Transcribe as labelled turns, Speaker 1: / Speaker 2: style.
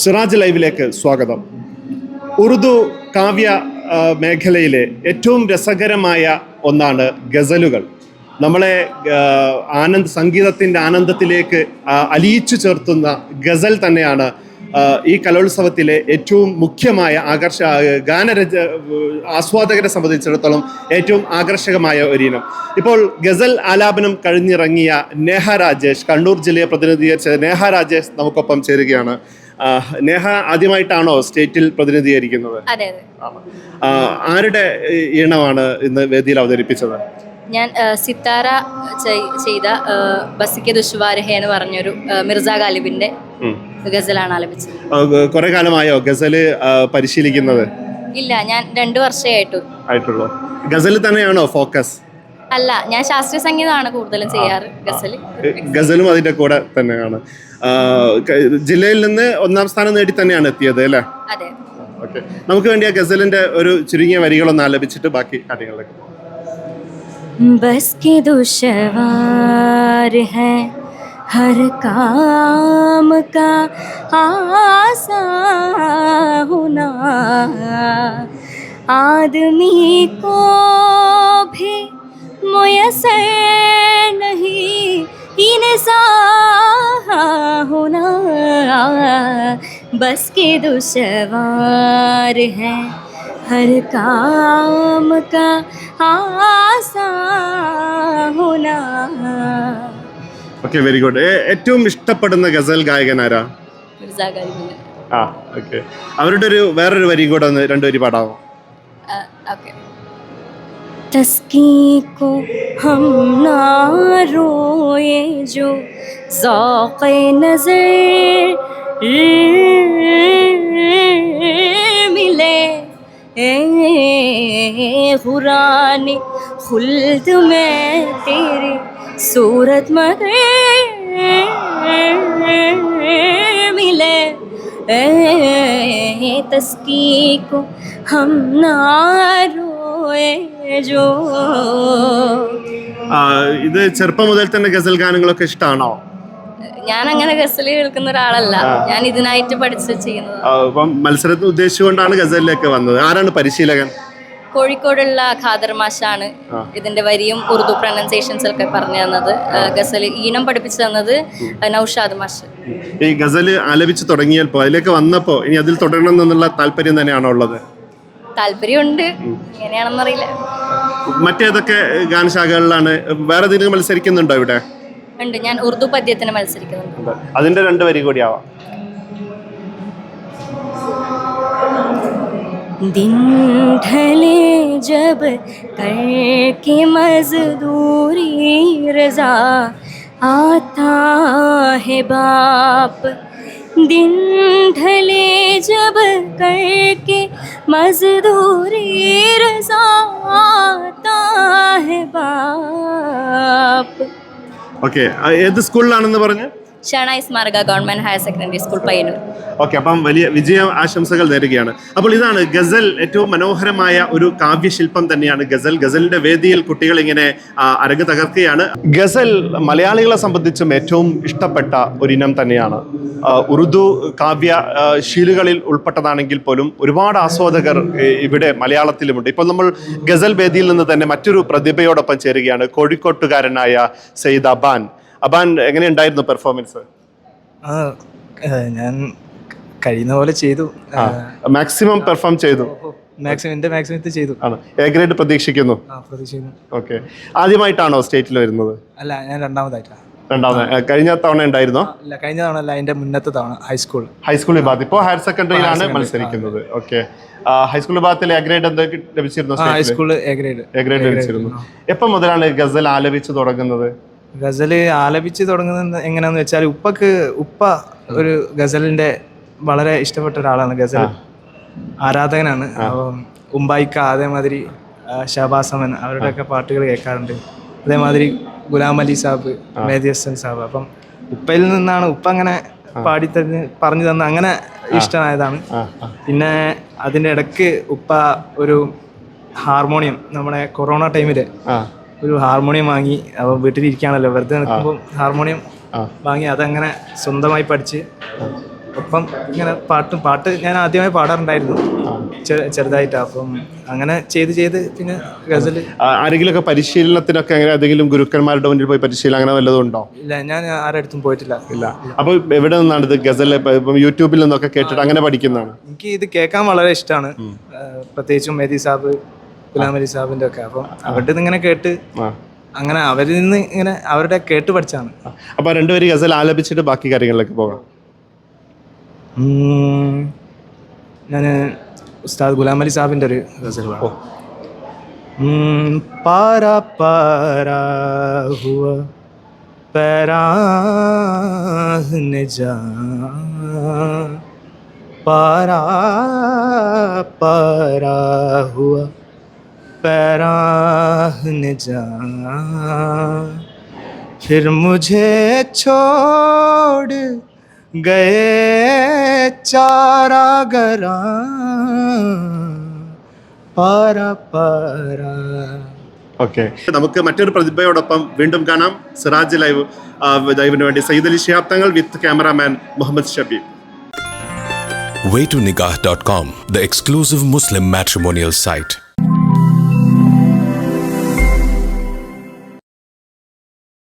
Speaker 1: സിറാജ് ലൈവിലേക്ക് സ്വാഗതം. ഉറുദു കാവ്യ മേഖലയിലെ ഏറ്റവും രസകരമായ ഒന്നാണ് ഗസലുകൾ. നമ്മളെ സംഗീതത്തിൻ്റെ ആനന്ദത്തിലേക്ക് അലിയിച്ചു ചേർത്തുന്ന ഗസൽ തന്നെയാണ് ഈ കലോത്സവത്തിലെ ഏറ്റവും മുഖ്യമായ ആസ്വാദകരെ സംബന്ധിച്ചിടത്തോളം ഏറ്റവും ആകർഷകമായ ഒരിനം. ഇപ്പോൾ ഗസൽ ആലാപനം കഴിഞ്ഞിറങ്ങിയ നേഹ രാജേഷ്, കണ്ണൂർ ജില്ലയെ പ്രതിനിധീകരിച്ച നേഹ രാജേഷ് നമുക്കൊപ്പം ചേരുകയാണ്. നേഹ ആദ്യമായിട്ടാണോ സ്റ്റേറ്റിൽ പ്രതിനിധീകരിക്കുന്നത്? ആരുടെ ഈണമാണ് ഇന്ന് വേദിയിൽ അവതരിപ്പിച്ചത്?
Speaker 2: ഞാൻ സിത്താര ചെയ്ത ബസിക്ക് ദുഷ്വാരഹേ എന്ന് പറഞ്ഞൊരു മിർസ ഗാലിബിന്റെ ഗസലാണ് ആലപിച്ചത്.
Speaker 1: കുറെ കാലമായോ ഗസല് പരിശീലിക്കുന്നത്?
Speaker 2: ഇല്ല, ഞാൻ 2 വർഷമേ ആയിട്ടുള്ളൂ.
Speaker 1: ഗസൽ തന്നെയാണോ ഫോക്കസ്?
Speaker 2: അല്ല, ഞാൻ ശാസ്ത്രീയ സംഗീതമാണ് കൂടുതലും ചെയ്യാറ്.
Speaker 1: ഗസലും അതിന്റെ കൂടെ തന്നെയാണ്. ജില്ലയിൽ നിന്ന് 1ാം സ്ഥാനം നേടി തന്നെയാണ് എത്തിയത് അല്ലേ?
Speaker 2: അതെ.
Speaker 1: ഓക്കെ, നമുക്ക് വേണ്ടി ആ ഗസലിന്റെ ഒരു ചുരുങ്ങിയ വരികളൊന്ന് ആലപിച്ചിട്ട് ബാക്കി കാര്യങ്ങളിലേക്ക്.
Speaker 2: बस के दुश्वार है हर काम का आसान होना, आदमी को भी मुयस्सर नहीं इंसान होना, बस के दुश्वार है हर काम का आसान होना.
Speaker 1: Okay, very good. ഏറ്റവും ഇഷ്ടപ്പെടുന്ന ഗസൽ ഗായകൻ ആരാ?
Speaker 2: മിർസ ഗാലിബ്.
Speaker 1: ഓക്കെ, അവരുടെ വേറൊരു വരി കൂടെ ഒന്ന് 2 വരി പാടാമോ?
Speaker 2: ഓക്കെ. तस्की को हम ना रोए जो ज़ौक़े नज़र मिले, ग़ुरानी खुल्द में तेरी सूरत मगर मिले, तस्की को हम ना रोए जो.
Speaker 1: ഇത് ചെറുപ്പം മുതൽ തന്നെ ഗസൽ ഗാനങ്ങളൊക്കെ ഇഷ്ടമാണോ?
Speaker 2: ഞാൻ അങ്ങനെ ഗസൽ കേൾക്കുന്ന ഒരാളല്ല, ഞാൻ ഇതിനായിട്ട് പഠിച്ച് ചെയ്യുന്നത്.
Speaker 1: മത്സരത്തിന് ഉദ്ദേശിച്ചുകൊണ്ടാണ് ഗസലിലേക്ക് വന്നത്. ആരാണ് പരിശീലകൻ?
Speaker 2: കോഴിക്കോടുള്ള ഖാദർ മാഷാണ് ഇതിന്റെ വരിയും ഉറുദു പ്രൊനൗൺസിയേഷൻസ് ഒക്കെ പറഞ്ഞു തന്നത്. ഗസൽ ഈണം പഠിപ്പിച്ചു തന്നത് നൗഷാദ് മാഷ്.
Speaker 1: ഈ ഗസല് ആലപിച്ച് തുടങ്ങിയപ്പോ അതിലേക്ക് വന്നപ്പോ ഇനി അതിൽ തുടരണം എന്നുള്ള താല്പര്യം തന്നെയാണോ ഉള്ളത്?
Speaker 2: താല്പര്യമുണ്ട്, എങ്ങനെയാണെന്നറിയില്ല.
Speaker 1: മറ്റേതൊക്കെ ഗാനശാഖകളിലാണ്? വേറെ ഏതെങ്കിലും മത്സരിക്കുന്നുണ്ടോ ഇവിടെ?
Speaker 2: ഉണ്ട്, ഞാൻ ഉറുദു പദ്യത്തിന് മത്സരിക്കുന്നുണ്ട്.
Speaker 1: അതിന്റെ 2 വരി കൂടി ആവാം.
Speaker 2: दिन ढले जब करके मजदूरी रजा आता है बाप, दिन ढले जब करके मजदूरी रजा आता है बाप.
Speaker 1: ഓക്കെ, ഏത് സ്കൂളിലാണെന്ന് പറഞ്ഞു?
Speaker 2: ഷണായി സ്മാരക government higher secondary school, Payyanur.
Speaker 1: Okay, അപ്പം വലിയ വിജയ ആശംസകൾ നേരുകയാണ്. അപ്പോൾ ഇതാണ് ഗസൽ, ഏറ്റവും മനോഹരമായ ഒരു കാവ്യശില്പം തന്നെയാണ് ഗസൽ. ഗസലിന്റെ വേദിയിൽ കുട്ടികൾ ഇങ്ങനെ അരങ്ങ് തകർക്കുകയാണ്. ഗസൽ മലയാളികളെ സംബന്ധിച്ചും ഏറ്റവും ഇഷ്ടപ്പെട്ട ഒരിനം തന്നെയാണ്. ഉറുദു കാവ്യ ശീലുകളിൽ ഉൾപ്പെട്ടതാണെങ്കിൽ പോലും ഒരുപാട് ആസ്വാദകർ ഇവിടെ മലയാളത്തിലുമുണ്ട്. ഇപ്പോൾ നമ്മൾ ഗസൽ വേദിയിൽ നിന്ന് തന്നെ മറ്റൊരു പ്രതിഭയോടൊപ്പം ചേരുകയാണ്, കോഴിക്കോട്ടുകാരനായ സയ്യിദ് അബാൻ. അബാൻ, എങ്ങനെയുണ്ടായിരുന്നു പെർഫോമൻസ്?
Speaker 3: ഞാൻ കഴിയുന്ന പോലെ ചെയ്തു,
Speaker 1: മാക്സിമം പെർഫോം ചെയ്തു.
Speaker 3: മാക്സിമം ചെയ്തു.
Speaker 1: ആണ്. എ ഗ്രേഡ് പ്രതീക്ഷിക്കുന്നു. ഓക്കെ, ആദ്യമായിട്ടാണോ സ്റ്റേറ്റിൽ വരുന്നത്?
Speaker 3: അല്ല, ഞാൻ രണ്ടാമതായിട്ടാണ്.
Speaker 1: കഴിഞ്ഞ തവണ ഉണ്ടായിരുന്നോ?
Speaker 3: അല്ല, കഴിഞ്ഞ തവണ അല്ല, അതിന്റെ മുന്നത്തെ തവണ
Speaker 1: ഹൈസ്കൂൾ വിഭാഗത്തിൽ. ഇപ്പോൾ ഹയർ സെക്കൻഡറിയിലാണ് മത്സരിക്കുന്നത്. ഓക്കെ, ഹൈസ്കൂൾ വിഭാഗത്തിൽ എ ഗ്രേഡ് എന്തൊക്കെ ലഭിച്ചിരുന്നു?
Speaker 3: എ ഗ്രേഡ്
Speaker 1: ലഭിച്ചിരുന്നു. എപ്പം മുതലാണ് ഗസൽ ആലപിച്ച് തുടങ്ങുന്നത്?
Speaker 3: ഗസല് ആലപിച്ച് തുടങ്ങുന്നത് എങ്ങനെയാന്ന് വെച്ചാൽ, ഉപ്പ ഒരു ഗസലിന്റെ വളരെ ഇഷ്ടപ്പെട്ട ഒരാളാണ്, ഗസൽ ആരാധകനാണ്. അപ്പം ഉമ്പായിക്ക, അതേമാതിരി ഷഹബാസ് അമൻ, അവരുടെയൊക്കെ പാട്ടുകൾ കേൾക്കാറുണ്ട്. അതേമാതിരി ഗുലാം അലി സാബ്, മേദി ഹസൻ സാബ്. അപ്പം ഉപ്പയിൽ നിന്നാണ് ഉപ്പ അങ്ങനെ പറഞ്ഞു തന്ന അങ്ങനെ ഇഷ്ടമായതാണ്. പിന്നെ അതിൻ്റെ ഇടയ്ക്ക് ഉപ്പ ഒരു ഹാർമോണിയം, നമ്മുടെ കൊറോണ ടൈമില് ഒരു ഹാർമോണിയം വാങ്ങി. അപ്പോൾ വീട്ടിലിരിക്കുകയാണല്ലോ, വെറുതെ നിൽക്കുമ്പോൾ ഹാർമോണിയം വാങ്ങി അതങ്ങനെ സ്വന്തമായി പഠിച്ച് ഒപ്പം ഇങ്ങനെ പാട്ട് ഞാൻ ആദ്യമായി പാടാറുണ്ടായിരുന്നു ചെറുതായിട്ട്. അപ്പം അങ്ങനെ ചെയ്ത് പിന്നെ ഗസൽ.
Speaker 1: ആരെങ്കിലുമൊക്കെ പരിശീലനത്തിനൊക്കെ അങ്ങനെ ഏതെങ്കിലും ഗുരുക്കന്മാരുടെ മുന്നിൽ പോയി പരിശീലനം അങ്ങനെ വല്ലതും ഉണ്ടോ?
Speaker 3: ഇല്ല, ഞാൻ ആരുടെ അടുത്തും പോയിട്ടില്ല.
Speaker 1: ഇല്ല. അപ്പോൾ എവിടെ നിന്നാണ് ഇത് ഗസൽ ഇപ്പം യൂട്യൂബിൽ നിന്നൊക്കെ കേട്ടിട്ട് അങ്ങനെ പഠിക്കുന്നതാണ്?
Speaker 3: എനിക്ക് ഇത് കേൾക്കാൻ വളരെ ഇഷ്ടമാണ്, പ്രത്യേകിച്ചും മെഹദി സാബ്, ഗുലാം അലി സാബിൻ്റെ ഒക്കെ. അപ്പം അവരുടെ നിന്ന് ഇങ്ങനെ കേട്ട് അങ്ങനെ അവരിൽ നിന്ന് ഇങ്ങനെ അവരുടെ കേട്ട് പഠിച്ചാണ്.
Speaker 1: അപ്പോൾ രണ്ടുപേരും ഗസൽ ആലപിച്ചിട്ട് ബാക്കി കാര്യങ്ങളിലേക്ക് പോകാം.
Speaker 3: ഞാൻ ഉസ്താദ് ഗുലാം അലി സാബിൻ്റെ ഒരു ഗസൽ പാടാം. പാരാ പാരാ ഹുവ പരാഹ്നെ ജാ, പാരാ പാരാ ഹുവ പരാഹ്നെ ജാ, फिर मुझे छोड़ गए चारागरा, പാരാ പാരാ.
Speaker 1: ഓക്കെ, നമുക്ക് മറ്റൊരു പ്രതിഭയോടൊപ്പം വീണ്ടും കാണാം. സിറാജ് ലൈവിന് വേണ്ടി Sayyid Ali Shihab Thangal with cameraman Muhammad Shabeeb.
Speaker 4: waytonikah.com, the exclusive Muslim matrimonial site.